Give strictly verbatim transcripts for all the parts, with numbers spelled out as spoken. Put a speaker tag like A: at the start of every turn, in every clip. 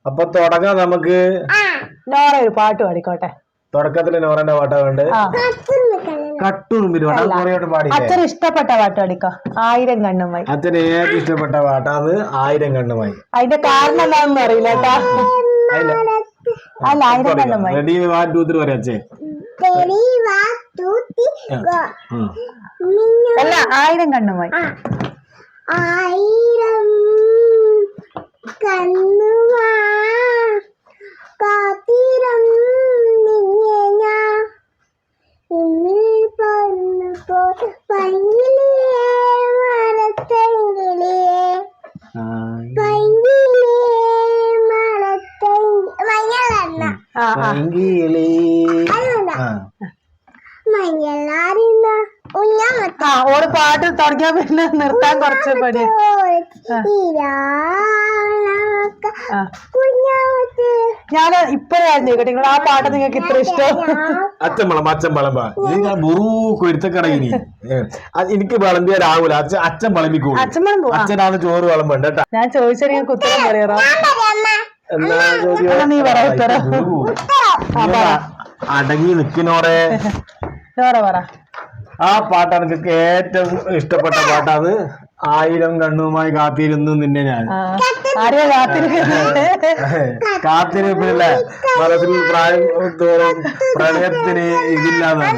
A: അപ്പൊ തുടങ്ങാം നമുക്ക്.
B: നോറ ഒരു പാട്ട് പാടിക്കോട്ടെ.
A: തുടക്കത്തില് നോറന്റെ പാട്ടാ വേണ്ടത്. കട്ടുറുമ്പിന് പാടി
B: അച്ഛന് ഇഷ്ടപ്പെട്ട പാട്ട് പാടിക്കോ. ആയിരം കണ്ണുമായി.
A: അച്ഛന് ഏറ്റവും ഇഷ്ടപ്പെട്ട പാട്ടാണ് ആയിരം കണ്ണുമായി.
B: അതിന്റെ കാരണം എന്താണെന്ന് അറിയില്ല കേട്ടാ. അല്ല ആയിരം കണ്ണുമായി.
A: റെഡി വൺ ടു ത്രീ പറയാ അച്ഛൻ.
B: അല്ല ആയിരം കണ്ണുമായി.
C: ആയിരം കണ്ണുമാ കാത്തിരം നിന്നെ ഞാൻ ഇന്നിൽ പറന്നു പോ പൈങ്കിളിയേ മരത്തെങ്കിളിയേ പൈങ്കിളിയേ മരത്തെങ്കിളി മഞ്ഞളെണ്ണ
A: പൈങ്കിളി
C: മഞ്ഞളാറിന്ന
B: ആ ഓള് പാട്ട് തുടങ്ങിയാ പിന്നെ നിർത്താൻ കുറച്ച് പണി. ഞാൻ ഇപ്പഴായിരുന്നു കേട്ടോ നിങ്ങൾ ആ പാട്ട് നിങ്ങൾക്ക് ഇത്ര ഇഷ്ടം.
A: അച്ഛൻ അച്ഛൻ വിളമ്പ കുരുത്തക്കടയിനി എനിക്ക് വിളമ്പിയാലാവൂല. അച്ഛൻ അച്ഛൻ വിളമ്പിക്കോളൂ. അച്ഛനാണ് ചോറ് വിളമ്പണ്ട കേട്ടാ.
B: ഞാൻ ചോദിച്ചാൽ നിങ്ങൾക്ക് ഉത്തരം പറയാറോ?
A: എന്താ
B: നീ പറയാ.
A: അടങ്ങി നിക്കുന്നോടെ
B: നോറ പറ.
A: ആ പാട്ടാണ് എനിക്ക് ഏറ്റവും ഇഷ്ടപ്പെട്ട പാട്ടാണ്. ആയിരം കണ്ണുമായി കാത്തിരുന്നു നിന്നെ ഞാൻ.
B: ആരെയാ കാത്തിരിക്കുന്നത്?
A: കാത്തിരിപ്പില്ലേ മനസ്സിൽ പ്രായം തോറും പ്രണയത്തിന് ഇതില്ലാന്നാണ്.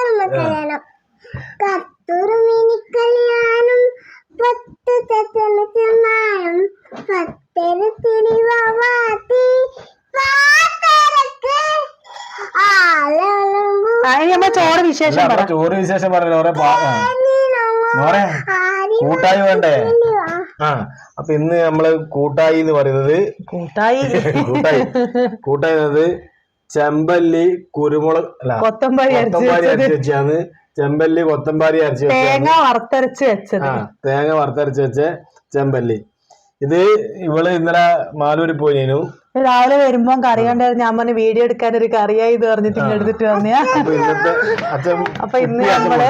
B: ചോറ് വിശേഷം
A: ചോറ് വിശേഷം പറഞ്ഞ ഓരേ കൂട്ടായി വേണ്ടേ? ആ അപ്പൊ ഇന്ന് നമ്മള് കൂട്ടായി എന്ന് പറയുന്നത്
B: കൂട്ടായി
A: കൂട്ടായി കൂട്ടായി ചെമ്പല്ലി കുരുമുളക് അല്ല
B: കൊത്തമ്പാരി
A: അരച്ച് വെച്ചാണ്. ചെമ്പല്ലി കൊത്തമ്പാരി അരച്ച്
B: തേങ്ങ വറുത്തരച്ച് വെച്ചത്.
A: ആ തേങ്ങ വറുത്തരച്ച് വെച്ച ചെമ്പല്ലി. ഇത് ഇവള് ഇന്നലെ മാലൂരിൽ പോയിനു.
B: രാവിലെ വരുമ്പോ കറി കണ്ടായിരുന്നു. ഞാൻ പറഞ്ഞ വീഡിയോ എടുക്കാൻ ഒരു കറിയായി ഇത് പറഞ്ഞിട്ട് ഇങ്ങ് എടുത്തിട്ട് വന്നയാ. അപ്പൊ ഇന്ന് നമ്മള്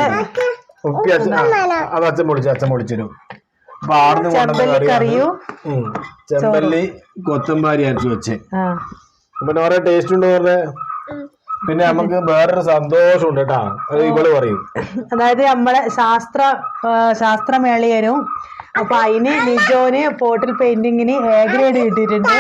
A: അത് അച്ഛൻ പൊളിച്ചു അച്ഛൻ പൊളിച്ചിരും. അപ്പൊ ആടുന്ന്
B: ചെമ്പല്ലി കറിയും
A: ചെമ്പല്ലി കൊത്തമ്പാരി അരച്ചു വെച്ച്. അപ്പൊ ഓരോ ടേസ്റ്റ് ഉണ്ട് പറഞ്ഞ. പിന്നെ നമുക്ക് വേറൊരു സന്തോഷം ഉണ്ട് കേട്ടാ. അത് ഇവള് പറയും.
B: അതായത് നമ്മളെ ശാസ്ത്ര ശാസ്ത്രമേളയരും അപ്പൊ അതിന് നിജോന് പോർട്ടൽ പെയിന്റിങ്ങിന് എ ഗ്രേഡ് കിട്ടിയിട്ടുണ്ട്.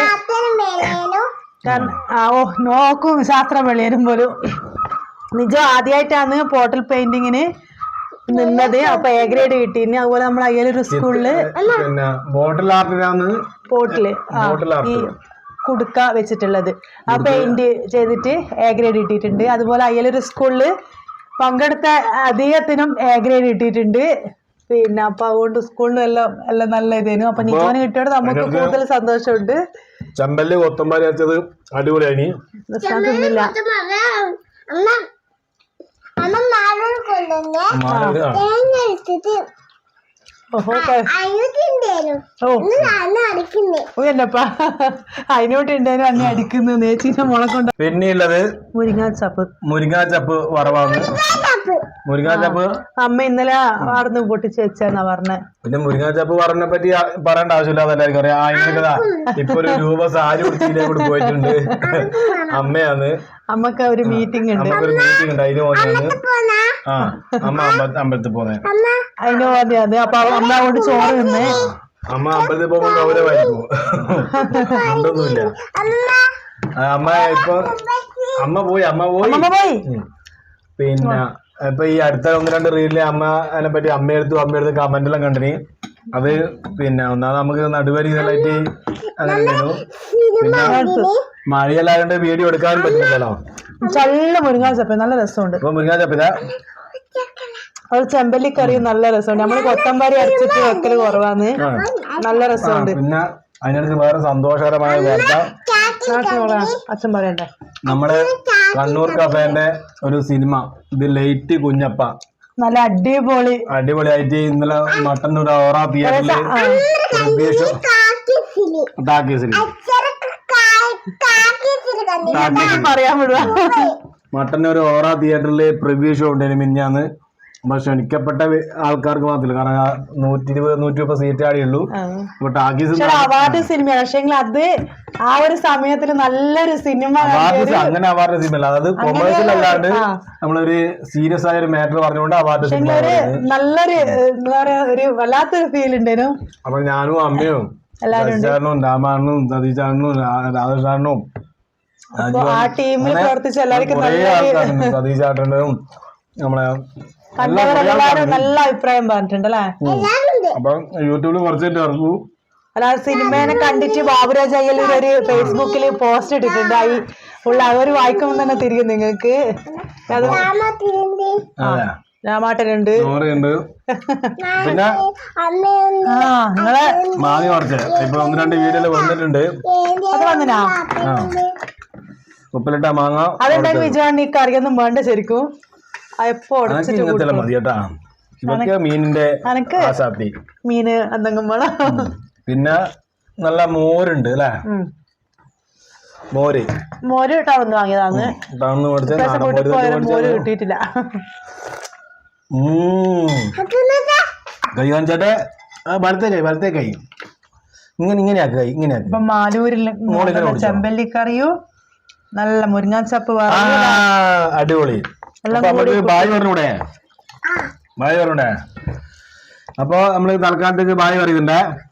B: ഓ നോക്കും ശാസ്ത്രമേളയരും പോലും. നിജോ ആദ്യമായിട്ടാണ് പോർട്ടൽ പെയിന്റിങ്ങിന് നിന്നത്. അപ്പൊ എ ഗ്രേഡ് കിട്ടിയിരുന്നു. അതുപോലെ നമ്മൾ അയ്യലൊരു സ്കൂളില് പോർട്ടില് ഈ കുടുക്ക വെച്ചിട്ടുള്ളത് ആ പെയിന്റ് ചെയ്തിട്ട് എ ഗ്രേഡ് കിട്ടിയിട്ടുണ്ട്. അതുപോലെ അയ്യലൊരു സ്കൂളില് പങ്കെടുത്ത അധികത്തിനും എ ഗ്രേഡ് കിട്ടിയിട്ടുണ്ട്. പിന്നെ അപ്പൊ അതുകൊണ്ട് സ്കൂളിലും എല്ലാം എല്ലാം നല്ല ഇതേനു. അപ്പൊ നിജോന് കിട്ടിയോട് നമുക്ക് കൂടുതൽ സന്തോഷമുണ്ട്.
A: ചെമ്പല്ലി കൊത്തമ്പാരി അരച്ചത് അടിപൊളിയായി.
B: തിന്നില്ല എന്നപ്പാ അതിനോട്ടുണ്ടായിരുന്നു അന്നെ അടിക്കുന്നു നേച്ചീന്റെ മുള കൊണ്ട്.
A: പിന്നെയുള്ളത്
B: മുരിങ്ങാച്ചപ്പ്.
A: മുരിങ്ങാച്ചപ്പ് വറവാണ്. മുരിങ്ങാച്ചപ്പ്
B: അമ്മ ഇന്നലെ വാർന്ന് പൊട്ടിച്ച് വെച്ചാന്നാ പറഞ്ഞ.
A: പിന്നെ മുരിങ്ങാച്ചപ്പ് വറവിനെ പറ്റി പറയേണ്ട ആവശ്യമില്ല. അതെല്ലാവർക്കും അറിയാം. ആയിരക്കതാ ഇപ്പൊ ഒരു രൂപ സാരി ഉടുത്തിയിലെ കൂടെ പോയിട്ടുണ്ട്. അമ്മയാണ്.
B: അമ്മക്ക് ഒരു മീറ്റിംഗ് ഉണ്ട്.
A: ഒരു മീറ്റിംഗ് ഉണ്ട്. അതിന് പോന്നെയാണ്. ആ അമ്മ അമ്പലത്തിൽ പോന്നെ.
B: അതിന് പോന്നെയാണ്. അപ്പൊ അമ്മ കൊണ്ട് ചോറ് തിന്ന്.
A: അമ്മ അമ്പലത്തിൽ പോകുമ്പോ ഗൗരവമായിരിക്കും. ഉണ്ടൊന്നുമില്ല. അമ്മ ഇപ്പൊ അമ്മ പോയി അമ്മ പോയി
B: പോയി
A: പിന്നെ ഇപ്പൊ ഈ അടുത്ത ഒന്ന് രണ്ട് റീലില് അമ്മ അതിനെ പറ്റി അമ്മയെടുത്തു അമ്മയെടുത്ത് കമന്റ് എല്ലാം കണ്ടിന്. അത് പിന്നെ ഒന്നാമത് നമുക്ക് നടുവരി ഇതായിട്ട് അങ്ങനെ ഉണ്ടായിരുന്നു. പിന്നെ മഴയല്ലാണ്ട് വീഡിയോ എടുക്കാനും പറ്റില്ലല്ലോ.
B: നല്ല മുരിങ്ങാച്ചപ്പ് നല്ല രസമുണ്ട്.
A: ഇപ്പൊ മുരിങ്ങാച്ചപ്പില്ല
B: അത് ചെമ്പല്ലിക്കറിയും നല്ല രസമുണ്ട്. നമ്മള് കൊത്തമ്പാരി അരച്ചിട്ട് വെക്കല് കുറവാന്ന്. നല്ല രസമുണ്ട്.
A: പിന്നെ അതിനടുത്ത് വേറെ സന്തോഷകരമായ വാർത്ത
B: അച്ഛൻ പറയണ്ടേ.
A: നമ്മള് കണ്ണൂർ കഫേന്റെ ഒരു സിനിമ ഇത് ലൈറ്റ് കുഞ്ഞപ്പ
B: നല്ല അടിപൊളി
A: അടിപൊളിയായിട്ട് ഇന്നലെ മട്ടന്നൂർ ഓറ തിയേറ്ററില്
B: പറയാൻ വിടുക.
A: മട്ടന്നൂർ ഓറ തിയേറ്ററില് പ്രിവ്യൂ ഷോ ഉണ്ടായിരുന്നു മിനിഞ്ഞാന്ന്. നമ്മൾ ക്ഷണിക്കപ്പെട്ട വെ- ആൾക്കാർക്ക് മാത്രമല്ല, കാരണം ആ നൂറ്റി ഇരുപത് നൂറ്റി മുപ്പത് സീറ്റ് ആടിയുള്ളൂ. ഇപ്പൊ ടാക്കീസ്
B: പക്ഷെ അവാർഡ് സിനിമയാണ്, പക്ഷെ അത് ആ ഒരു സമയത്തിൽ നല്ലൊരു സിനിമ
A: അവാർഡ് അങ്ങനെ അവാർഡ് സിനിമ അതായത് കൊമേഴ്സ്യൽ അല്ലാണ്ട് നമ്മളൊരു സീരിയസ് ആയ ഒരു മാറ്റർ പറഞ്ഞുകൊണ്ട് അവാർഡ് സിനിമ.
B: ഒരു നല്ലൊരു എന്താ പറയാ ഒരു വല്ലാത്തൊരു ഫീൽ ഉണ്ടേനു.
A: അപ്പൊ ഞാനും അമ്മയും ശശിചാരനും രാമാണനും സതീശാണനും രാധാകൃഷ്ണനും
B: ആ ടീമിൽ പ്രവർത്തിച്ച എല്ലാവർക്കും
A: കുറേ ആൾക്കാരുണ്ട്, സതീശാട്ടനും നമ്മളെ
B: കണ്ടവരെല്ലാരും നല്ല അഭിപ്രായം പറഞ്ഞിട്ടുണ്ട് അല്ലേ.
A: അപ്പൊ യൂട്യൂബിൽ കുറച്ചായിട്ട് ഇറക്കൂ.
B: അല്ലാതെ സിനിമേനെ കണ്ടിട്ട് ബാബുരാജ് അയ്യലൂർ ഒരു ഫേസ്ബുക്കിൽ പോസ്റ്റ് ഇട്ടിട്ടുണ്ട്. ഈ ഉള്ള അവർ വായിക്കുമ്പോൾ തന്നെ തിരികെ നിങ്ങൾക്ക് അത് രാമാട്ടനുണ്ട്.
A: ചോറുണ്ട്. പിന്നെ
B: ആ നിങ്ങളെ
A: മാങ്ങ കുറച്ച് ഇപ്പൊ ഒന്ന് രണ്ട് വീഡിയോയിൽ വന്നിട്ടുണ്ട്.
B: അത് വന്നിനാ
A: ആ ഉപ്പിലിട്ട മാങ്ങ
B: അതുണ്ടെങ്കിൽ വിജയാണി കറിയൊന്നും വേണ്ട ശരിക്കും. എപ്പോ
A: അനക്ക് ഇങ്ങനത്തെ മതി കേട്ടാ. ഇതൊക്കെ മീനിന്റെ
B: അനക്ക്
A: ആസാത്തി.
B: മീന് എന്തെങ്കിലും വേണം.
A: പിന്നെ നല്ല മോരുണ്ട് അല്ലേ, മോര്
B: മോര് ടൗന്ന് വാങ്ങിയതാന്ന്.
A: ടൗന്ന് മേടിച്ച നാടൻ
B: വീട്ടിൽ
A: മോര്
B: പോയാലും മോര്
A: മേടിച്ചാ.
B: കിട്ടിയിട്ടില്ല.
A: കൈ കാണിച്ചാട്ടെ, വലത്തെ കൈ വലത്തെ കൈ ഇങ്ങനെ ഇങ്ങനെയാക്ക് കൈ ഇങ്ങനെയാക്ക്.
B: ഇപ്പൊ മാലൂരിൽ
A: മോളിങ്ങനെ കുടിച്ചോ?
B: ചെമ്പല്ലിക്കറിയും നല്ല മുരിങ്ങാച്ചപ്പ്
A: ആ, അടിപൊളി. അപ്പൊ നമുക്ക് ബായ് പറഞ്ഞൂടെ, ബായ് പറഞ്ഞൂടെ. അപ്പൊ നമ്മള് തൽക്കാലത്തേക്ക് ബായ് പറയുന്നുണ്ടേ.